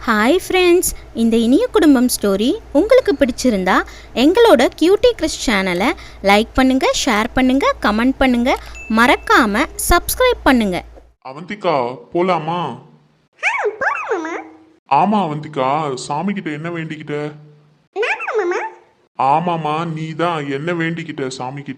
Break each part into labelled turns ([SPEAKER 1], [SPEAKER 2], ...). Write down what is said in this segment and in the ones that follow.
[SPEAKER 1] Hi friends, இந்த இனிய குடும்பம் ஸ்டோரி உங்களுக்கு பிடிச்சிருந்தா எங்களோட கியூட்டி கிறிஸ் சேனலை லைக் பண்ணுங்க, ஷேர் பண்ணுங்க, கமெண்ட் பண்ணுங்க, மறக்காம சப்ஸ்கிரைப் பண்ணுங்க.
[SPEAKER 2] அவந்திகா போலாமா? ஆமா அவந்திகா, சாமி கிட்ட என்ன வேண்டிக்கிட்ட? ஆமாமா, நீ தான் என்ன வேண்டிக்கிட்ட சாமி கிட்ட?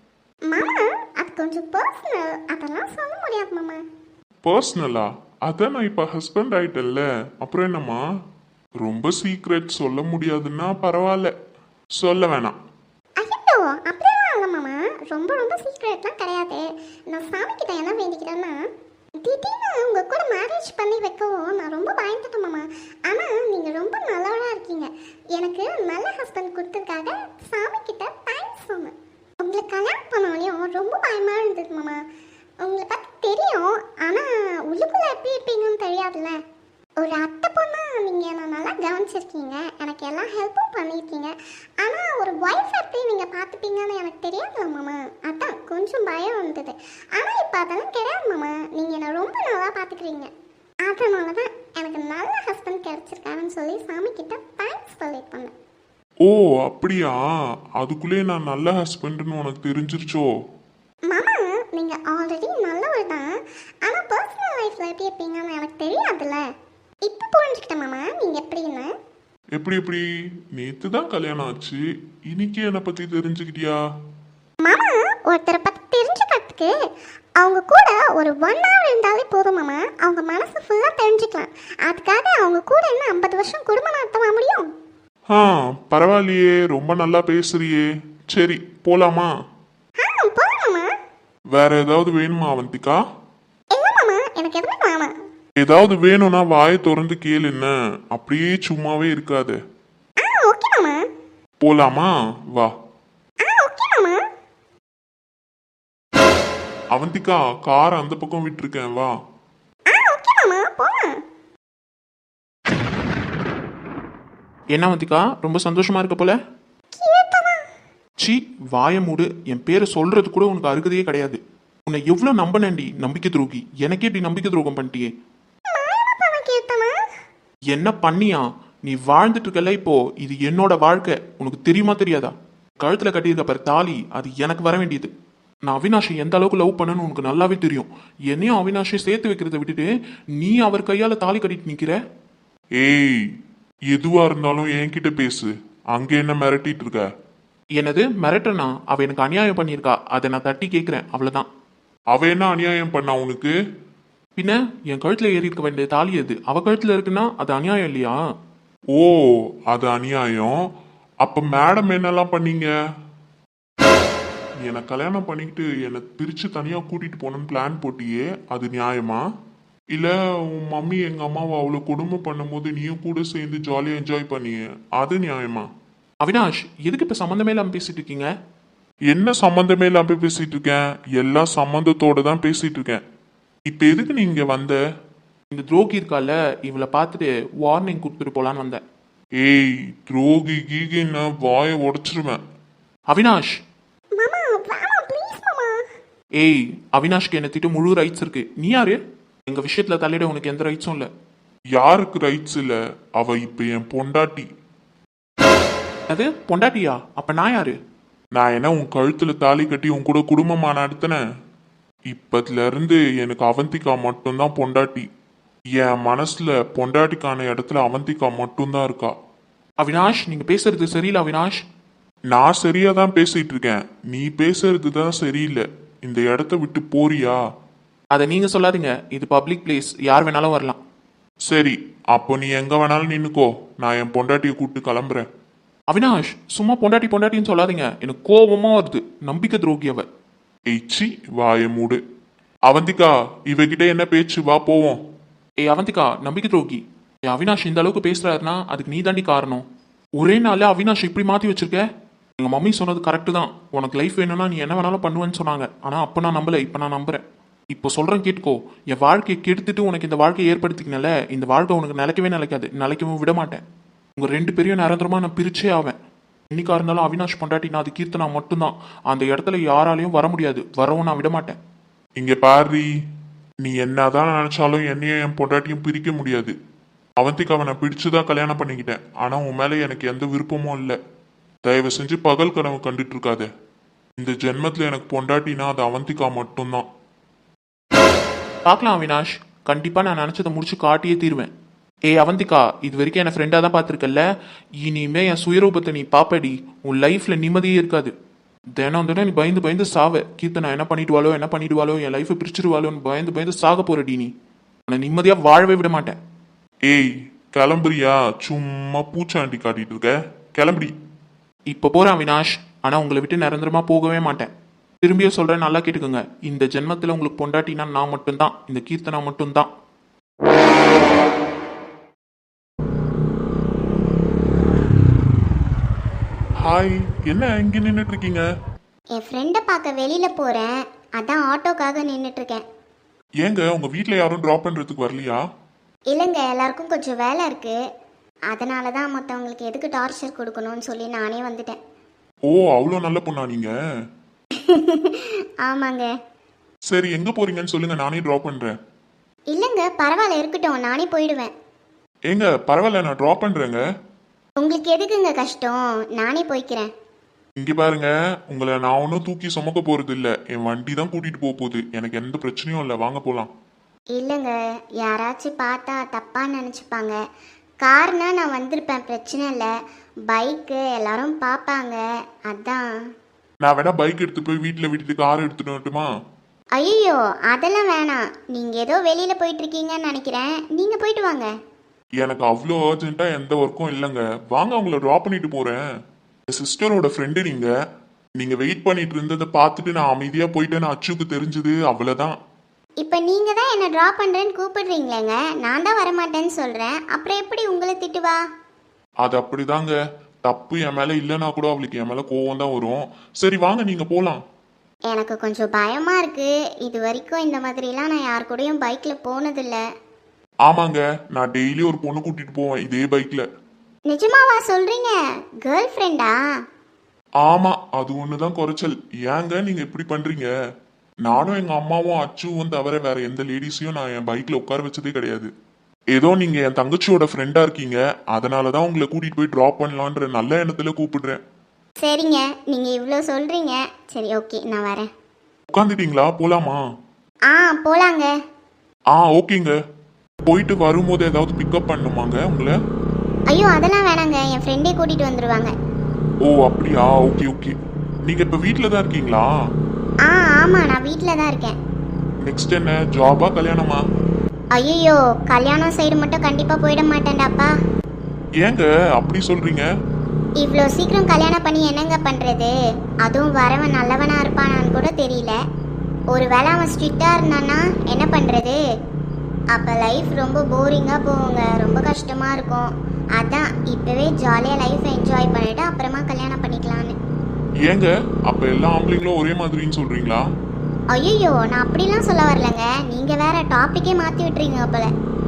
[SPEAKER 2] பர்சனலா? அதான் நான் இப்ப ஹஸ்பண்ட் ஆயிட்டல்ல, அப்புறம் என்னம்மா? ரொம்ப சீக்ரெட் சொல்ல முடியாதுன்னா பரவாயில்ல, சொல்ல வேணாம்.
[SPEAKER 3] ஐயோ அப்படியெல்லாம் இல்லை மாமா. ரொம்ப ரொம்ப சீக்ரெட்லாம் கிடையாது. நான் சாமி கிட்ட என்ன வேண்டிக்கிறேன்னா, திடீர்னு உங்கள் கூட மேரேஜ் பண்ணி வைக்கவும் நான் ரொம்ப பயந்துட்டேன் மாமா. ஆனால் நீங்கள் ரொம்ப நல்லவராக இருக்கீங்க. எனக்கு நல்ல ஹஸ்பண்ட் கொடுத்ததுக்காக சாமி கிட்ட தேங்க்ஸ் சொன்னேன். உங்களுக்கு கல்யாணம் பண்ணோடனையும் ரொம்ப பயமாக இருந்தது மாமா. உங்களை பற்றி தெரியும், ஆனால் உள்ளுக்குள்ளே எப்படி இருப்பீங்கன்னு தெரியாதுல்ல. ஒரு அத்தை பொண்ணா நீங்கள் என்னை நல்லா கவனிச்சிருக்கீங்க, எனக்கு எல்லா ஹெல்ப்பும் பண்ணியிருக்கீங்க. ஆனால் ஒரு ஒய்ஃப் எப்படி நீங்கள் பார்த்துப்பீங்கன்னு எனக்கு தெரியாதுல்ல மாமா. அதான் கொஞ்சம் பயம் வந்தது. ஆனால் இப்போ அதெல்லாம் கிடையாது மாமா. நீங்கள் என்னை ரொம்ப நல்லா பார்த்துக்கிறீங்க. அதனால தான் எனக்கு நல்ல ஹஸ்பண்ட் கிடச்சிருக்காருன்னு சொல்லி சாமி கிட்ட தேங்க்ஸ் சொல்லிட்டு வந்தேன்.
[SPEAKER 2] ஓ அப்படியா? அதுக்குள்ளே நான் நல்ல ஹஸ்பண்ட்னு உனக்கு தெரிஞ்சிருச்சோ?
[SPEAKER 3] மாமா, நீங்கள் ஆல்ரெடி நல்லவர் தான். ஆனால் பர்சனல் லைஃப்பில் எப்படி இருப்பீங்கன்னு எனக்கு தெரியாதுல்ல. இப்போ புரிஞ்சுக்கிட்டேன் மாமா நீங்கள் எப்படின்னு.
[SPEAKER 2] எப்படி நேத்து தான் கல்யாணம் ஆச்சு, இன்னைக்கு என்னை பத்தி தெரிஞ்சுக்கிட்டியா?
[SPEAKER 3] மாமா, ஒருத்தரை பற்றி தெரிஞ்சுக்கிறதுக்கு அவங்க கூட ஒரு 1 hour இருந்தாலே போதும் மாமா. அவங்க மனசு ஃபுல்லாக தெரிஞ்சுக்கலாம். அதுக்காக அவங்க கூட என்ன 50 வருஷம் குடும்பம் நடத்தவா முடியும்?
[SPEAKER 2] ஆ பரவாயில்லையே, ரொம்ப நல்லா பேசுறியே. சரி போலாமா?
[SPEAKER 3] போதும் மாமா.
[SPEAKER 2] வேற ஏதாவது வேணுமா அவந்திகா?
[SPEAKER 3] இல்லை மாமா, எனக்கு எதுவுமே வேணாம்.
[SPEAKER 2] ஏதாவது வேணும்னா வாயை திறந்து கேளு, என்ன அப்படியே சும்மாவே இருக்காது.
[SPEAKER 3] ஓகே மாமா.
[SPEAKER 2] போலாமா? வா.
[SPEAKER 3] ஓகே மாமா.
[SPEAKER 2] அவந்திகா, கார் அந்த பக்கம் விட்டுருக்கேன், வா.
[SPEAKER 3] ஓகே மாமா, போலாம்.
[SPEAKER 4] என்ன அவந்திகா, ரொம்ப சந்தோஷமா இருக்க போல? சி வாய மூடு. என் பேரை சொல்றது கூட உனக்கு அருகதையே கிடையாது. உன்னை எவ்வளவு நம்பினேன்டி, நம்பிக்கை துரோகி. எனக்கே இப்படி நம்பிக்கை துரோகம் பண்ணிட்டியே. என்ன பண்ணியா? நீ வாழ்ந்துட்டு இருக்கல இப்போ, இது என்னோட வாழ்க்கை. உனக்கு தெரியுமா தெரியாதா? கழுத்துல கட்டியிருக்க பாரு தாலி, அது எனக்கு வர வேண்டியது. நான் அவினாஷை எந்த அளவுக்கு லவ் பண்ணணும்னு உனக்கு நல்லாவே தெரியும். என்னையும் அவினாஷை சேர்த்து வைக்கிறத விட்டுட்டு நீ அவர் கையால தாலி கட்டிட்டு நிக்கிற.
[SPEAKER 2] ஏய், எதுவா இருந்தாலும் என்கிட்ட பேசு. அங்க என்ன மிரட்டிட்டு இருக்க?
[SPEAKER 4] என்னது மிரட்டனா? அவ எனக்கு அநியாயம் பண்ணியிருக்கா, அதை நான் தட்டி கேட்கிறேன், அவ்வளவுதான்.
[SPEAKER 2] அவ என்ன அநியாயம் பண்ணா உனக்கு?
[SPEAKER 4] பின்ன என் கழுத்துல ஏறி இருக்க வேண்டிய தாலி எது அவ கழுத்துல இருக்குன்னா அது அநியாயம் இல்லையா?
[SPEAKER 2] ஓ அது அநியாயம். அப்ப மேடம் என்னெல்லாம் பண்ணீங்க? என்னை கல்யாணம் பண்ணிக்கிட்டு என்னை பிரிச்சு தனியா கூட்டிட்டு போகணும்னு பிளான் போட்டியே, அது நியாயமா? இல்ல உன் மம்மி எங்க அம்மாவை அவ்வளவு கொடுமை பண்ணும்போது நீயும் கூட சேர்ந்து ஜாலியா என்ஜாய் பண்ணிய, அது நியாயமா?
[SPEAKER 4] அவினாஷ், எதுக்கு இப்ப சம்மந்தமே இல்லாம பேசிட்டு இருக்கீங்க?
[SPEAKER 2] என்ன சம்பந்தமே இல்லாம பேசிட்டு இருக்கேன்? எல்லா சம்பந்தத்தோட தான் பேசிட்டு இருக்கேன். இப்ப எதுக்கு நீ இங்க வந்த?
[SPEAKER 4] இந்த துரோகி இருக்கால, இவளை பார்த்துட்டு வார்னிங் கொடுத்துட்டு போலான்னு வந்தேன்.
[SPEAKER 2] ஏய், துரோகி கீகின்னு வாயை உடைச்சிருவேன்.
[SPEAKER 4] அவினாஷ்.
[SPEAKER 3] மாமா வேணாம் ப்ளீஸ் மாமா.
[SPEAKER 4] ஏய், அவினாஷ்க்கு என்ன திட்டு முழு ரைட்ஸ் இருக்கு. நீ யாரு எங்க விஷயத்துல தலையிட? உனக்கு எந்த ரைட்ஸும் இல்ல.
[SPEAKER 2] யாருக்கு ரைட்ஸ் இல்ல? அவ இப்ப என் பொண்டாட்டி.
[SPEAKER 4] அது பொண்டாட்டியா? அப்ப நான் யாரு?
[SPEAKER 2] நான் என்ன உன் கழுத்துல தாலி கட்டி உன் கூட குடும்பமா நடத்தினேன்? இப்பத்துல இருந்து எனக்கு அவந்திகா மட்டும்தான் பொண்டாட்டி. என் மனசுல பொண்டாட்டிக்கான இடத்துல அவந்திகா மட்டும்தான் இருக்கா.
[SPEAKER 4] அவினாஷ், நீங்க பேசுறது சரியில்லை அவினாஷ்.
[SPEAKER 2] நான் சரியா தான் பேசிட்டு இருக்கேன், நீ பேசுறது தான் சரியில்லை. இந்த இடத்த விட்டு போறியா?
[SPEAKER 4] அதை நீங்க சொல்லாதீங்க, இது பப்ளிக் பிளேஸ், யார் வேணாலும் வரலாம்.
[SPEAKER 2] சரி, அப்போ நீ எங்க வேணாலும் நின்னுக்கோ, நான் என் பொண்டாட்டியை கூப்பிட்டு கிளம்புறேன்.
[SPEAKER 4] அவினாஷ், சும்மா பொண்டாட்டி பொண்டாட்டின்னு சொல்லாதீங்க, எனக்கு கோபமா வருது. நம்பிக்கை துரோகி அவ.
[SPEAKER 2] எய்ச்சி, வாய மூடு. அவந்திகா, இவகிட்ட என்ன பேச்சு? வா போவோம்.
[SPEAKER 4] ஏய் அவந்திகா, நம்பிக்கை துரோகி. அவினாஷ் இந்த அளவுக்கு பேசுறாருன்னா அதுக்கு நீ தாண்டி காரணம். ஒரே நாள்ல அவினாஷ் இப்படி மாத்தி வச்சிருக்க. எங்க மம்மி சொன்னது கரெக்டு தான். உனக்கு லைஃப் வேணும்னா நீ என்ன வேணாலும் பண்ணுவேன்னு சொன்னாங்க. ஆனா அப்ப நான் நம்பல, இப்ப நான் நம்புறேன். இப்போ சொல்றேன் கேட்டுக்கோ. என் வாழ்க்கையை கெடுத்துட்டு உனக்கு இந்த வாழ்க்கையை ஏற்படுத்திக்கனால இந்த வாழ்க்கை உனக்கு நிலைக்கவே நிலைக்காது, நிலைக்கவும் விட மாட்டேன். உங்க 2 பேரையும் நிரந்தரமா நான் பிரிச்சே ஆவேன். இன்னைக்கா இருந்தாலும் அவினாஷ் பொண்டாட்டி நான், அது கீர்த்தனா மட்டும்தான். அந்த இடத்துல யாராலையும் வர முடியாது, வரவும் நான் விட மாட்டேன்.
[SPEAKER 2] இங்க பாரு, நீ என்னதான் நினைச்சாலும் என்னையும் என் பொண்டாட்டியும் பிரிக்க முடியாது. அவந்திக்காவை நான் பிடிச்சுதான் கல்யாணம் பண்ணிக்கிட்டேன். ஆனா உன் மேல எனக்கு எந்த விருப்பமும் இல்லை. தயவு செஞ்சு பகல் கனவு கண்டுட்டு இருக்காத. இந்த ஜென்மத்துல எனக்கு பொண்டாட்டினா அது அவந்திகா மட்டும்தான்.
[SPEAKER 4] பார்க்கலாம் அவினாஷ், கண்டிப்பாக நான் நினச்சதை முடிச்சு காட்டியே தீருவேன். அவந்திகா, இது வரைக்கும் என்னை ஃப்ரெண்டாக தான் பார்த்துருக்கல, இனிமே என் சுயரூபத்தை நீ பாப்படி. உன் லைஃப்பில் நிம்மதியே இருக்காது. தினம் தினம் நீ பயந்து பயந்து சாவ. கீர்த்தனா என்ன பண்ணிடுவாளோ, என் லைஃப்பை பிரிச்சிடுவாளோன்னு பயந்து பயந்து சாக போறடி. நீ உன்னை நிம்மதியாக வாழவே விட மாட்டேன்.
[SPEAKER 2] ஏய் கிளம்புறியா? சும்மா பூச்சாண்டி காட்டிட்டு இருக்க. கிளம்புடி.
[SPEAKER 4] இப்போ போகிறேன் அவினாஷ், ஆனால் உங்களை விட்டு நிரந்தரமாக போகவே மாட்டேன். திரும்பியும் சொல்கிறேன், நல்லா கேட்டுக்கோங்க. இந்த ஜென்மத்தில் உங்களுக்கு பொண்டாட்டினா நான் மட்டும்தான், இந்த கீர்த்தனா மட்டும்தான்.
[SPEAKER 2] ஹாய், என்ன இங்க நின்றுட்டு இருக்கீங்க?
[SPEAKER 3] என் ஃப்ரெண்டை பார்க்க வெளியில் போகிறேன், அதான் ஆட்டோக்காக நின்றுட்டுருக்கேன்.
[SPEAKER 2] ஏங்க உங்க வீட்ல யாரும் டிராப் பண்றதுக்கு வரலையா?
[SPEAKER 3] இல்லைங்க, எல்லாருக்கும் கொஞ்சம் வேலை இருக்குது. அதனால தான் மற்றவங்களுக்கு எதுக்கு டார்ச்சர் கொடுக்கணும்னு சொல்லி நானே வந்துட்டேன்.
[SPEAKER 2] ஓ, அவ்வளோ நல்ல பொண்ணா நீங்க?
[SPEAKER 3] ஆமாங்க.
[SPEAKER 2] சரி, எங்க போறீங்கன்னு சொல்லுங்க, நானே டிராப் பண்றேன்.
[SPEAKER 3] இல்லைங்க, பரவாயில்ல, இருக்கட்டும், நானே போயிடுவேன்.
[SPEAKER 2] ஏங்க பரவாயில்ல, நான் டிராப் பண்றேங்க.
[SPEAKER 3] உங்களுக்கு எதுக்குங்க கஷ்டம், நானே போய்க்கிறேன்.
[SPEAKER 2] இங்க பாருங்க, உங்களை நான் ஒன்றும் தூக்கி சுமக்க போறது இல்ல. என் வண்டி தான் கூட்டிட்டு போக போகுது. எனக்கு எந்த பிரச்சனையும் இல்லை. வாங்க போலாம்.
[SPEAKER 3] இல்லைங்க, யாராச்சும் பார்த்தா தப்பாக நினச்சிப்பாங்க. கார்னா நான் வந்திருப்பேன், பிரச்சனை இல்லை. பைக்கு எல்லாரும் பார்ப்பாங்க, அதான்.
[SPEAKER 2] நான் வேணா பைக் எடுத்து போய் வீட்டில் விட்டுட்டு கார் எடுத்துட்டு வரட்டுமா?
[SPEAKER 3] ஐயோ, அதெல்லாம் வேணாம். நீங்கள் ஏதோ வெளியில் போயிட்டுருக்கீங்கன்னு நினைக்கிறேன், நீங்கள் போயிட்டு வாங்க.
[SPEAKER 2] எனக்கு அவ்வளோ அர்ஜென்ட்டா எந்த ஒர்க்கும் இல்லைங்க. வாங்க, உங்களை ட்ராப் பண்ணிட்டு போறேன். என் சிஸ்டரோட ஃப்ரெண்டு நீங்க வெயிட் பண்ணிட்டு இருந்ததை பார்த்துட்டு நான் அமைதியா போயிட்டேன்னு அச்சுக்கு தெரிஞ்சது, அவ்வளோதான்.
[SPEAKER 3] இப்போ நீங்கள் தான் என்னை ட்ராப் பண்ணுறேன்னு கூப்பிடுறீங்களேங்க, நான் தான் வரமாட்டேன்னு சொல்கிறேன். அப்புறம் எப்படி உங்களை திட்டுவா?
[SPEAKER 2] அது அப்படிதாங்க. தப்பு என் மேல இல்லைன்னா கூட அவளுக்கு என் மேல கோவம் தான் வரும். சரி வாங்க, நீங்க போலாம்.
[SPEAKER 3] எனக்கு கொஞ்சம் பயமாக இருக்குது. இது வரைக்கும் இந்த மாதிரிலாம் நான் யார் கூடயும் பைக்கில் போனதில்லை.
[SPEAKER 2] ஆமாங்க, நான் டெய்லி ஒரு பொண்ணு கூட்டிட்டு போவேன் இதே பைக்ல.
[SPEAKER 3] நிஜமாவா சொல்கிறீங்க? கேர்ள் ஃப்ரெண்டா?
[SPEAKER 2] ஆமா, அது ஒண்ணுதான் குறைச்சல். ஏங்க நீங்க இப்படி பண்றீங்க? நானும் எங்க அம்மாவும் அச்சுவும் தவிர வேற எந்த லேடிஸையும் நான் என் பைக்ல உட்கார வச்சதே கிடையாது. ஏதோ நீங்க என் தங்கச்சியோட ஃப்ரெண்டா இருக்கீங்க, அதனாலதான் உங்களை கூட்டிட்டு போய் டிராப் பண்ணலான்ற நல்ல எண்ணத்துல கூப்பிடுறேன்.
[SPEAKER 3] சரிங்க, நீங்கள் இவ்வளோ சொல்கிறீங்க. சரி, ஓகே, நான் வரேன்.
[SPEAKER 2] உட்காந்துட்டீங்களா? போலாமா?
[SPEAKER 3] போலாங்க.
[SPEAKER 2] ஓகேங்க. போயிட்டு வரும்போது ஏதாவது பிக்கப் பண்ணுமாங்க உங்களை?
[SPEAKER 3] ஐயோ, அதெல்லாம் வேணாங்க, என் ஃப்ரெண்டே கூட்டிகிட்டு வந்துடுவாங்க.
[SPEAKER 2] ஓ அப்படியா? Okay okay. நீங்க இப்ப வீட்டில தான் இருக்கீங்களா?
[SPEAKER 3] ஆமாம், நான் வீட்டில் தான் இருக்கேன்.
[SPEAKER 2] நெக்ஸ்ட் என்ன, ஜாபா கல்யாணமா?
[SPEAKER 3] ஐயோ, கல்யாணம் சைடு மட்டும் கண்டிப்பாக போயிட மாட்டேன்டாப்பா.
[SPEAKER 2] ஏங்க அப்படி சொல்றீங்க?
[SPEAKER 3] இவ்வளோ சீக்கிரம் கல்யாணம் பண்ணி என்னங்க பண்ணுறது? அதுவும் வரவன் நல்லவனாக இருப்பானான்னு கூட தெரியல. ஒரு வேளை அவன் ஸ்ட்ரிக்டாக இருந்தான்னா என்ன பண்ணுறது? அப்போ லைஃப் ரொம்ப போரிங்காக போகுங்க, ரொம்ப கஷ்டமாக இருக்கும். அதான் இப்போவே ஜாலியாக லைஃப் என்ஜாய் பண்ணிவிட்டு அப்புறமா கல்யாணம் பண்ணிக்கலான்னு.
[SPEAKER 2] ஏங்க அப்ப எல்லா ஆம்பளைங்களும் ஒரே மாதிரின்னு சொல்றீங்களா?
[SPEAKER 3] ஐயோ, நான் அப்படிலாம் சொல்ல வரலங்க. நீங்கள் வேற டாப்பிக்கே மாற்றி விட்டுறீங்க போல.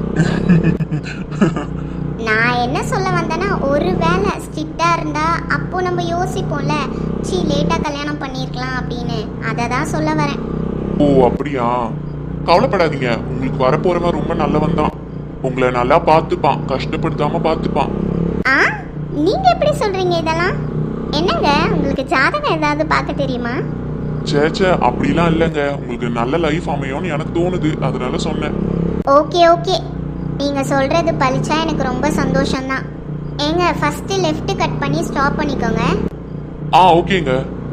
[SPEAKER 3] நான் என்ன சொல்ல வந்தேன்னா, ஒரு வேளை ஸ்ட்ரிக்டாக இருந்தால் அப்போ நம்ம யோசிப்போம்ல, லேட்டாக கல்யாணம் பண்ணியிருக்கலாம் அப்படின்னு. அதை தான் சொல்ல வரேன்.
[SPEAKER 2] ஓ அப்படியா? கவலைப்படாதீங்க, உங்களுக்கு வரப்போறவன் ரொம்ப நல்லவன் தான். உங்களை நல்லா பார்த்துப்பான், கஷ்டப்படுத்தாம பார்த்துப்பான்.
[SPEAKER 3] நீங்கள் எப்படி சொல்கிறீங்க இதெல்லாம்? என்னங்க, உங்களுக்கு ஜாதகம் ஏதாவது பார்க்க தெரியுமா?
[SPEAKER 2] சேச்சே, அப்படிலாம் இல்லைங்க. உங்களுக்கு நல்ல லைஃப் அமையும்னு எனக்கு தோணுது, அதனால சொன்னேன்.
[SPEAKER 3] ஓகே, நீங்கள் சொல்கிறது பழிச்சா எனக்கு ரொம்ப சந்தோஷம்தான். ஏங்க, ஃபஸ்ட்டு லெஃப்ட் கட் பண்ணி ஸ்டாப் பண்ணிக்கோங்க.
[SPEAKER 2] ஓகேங்க.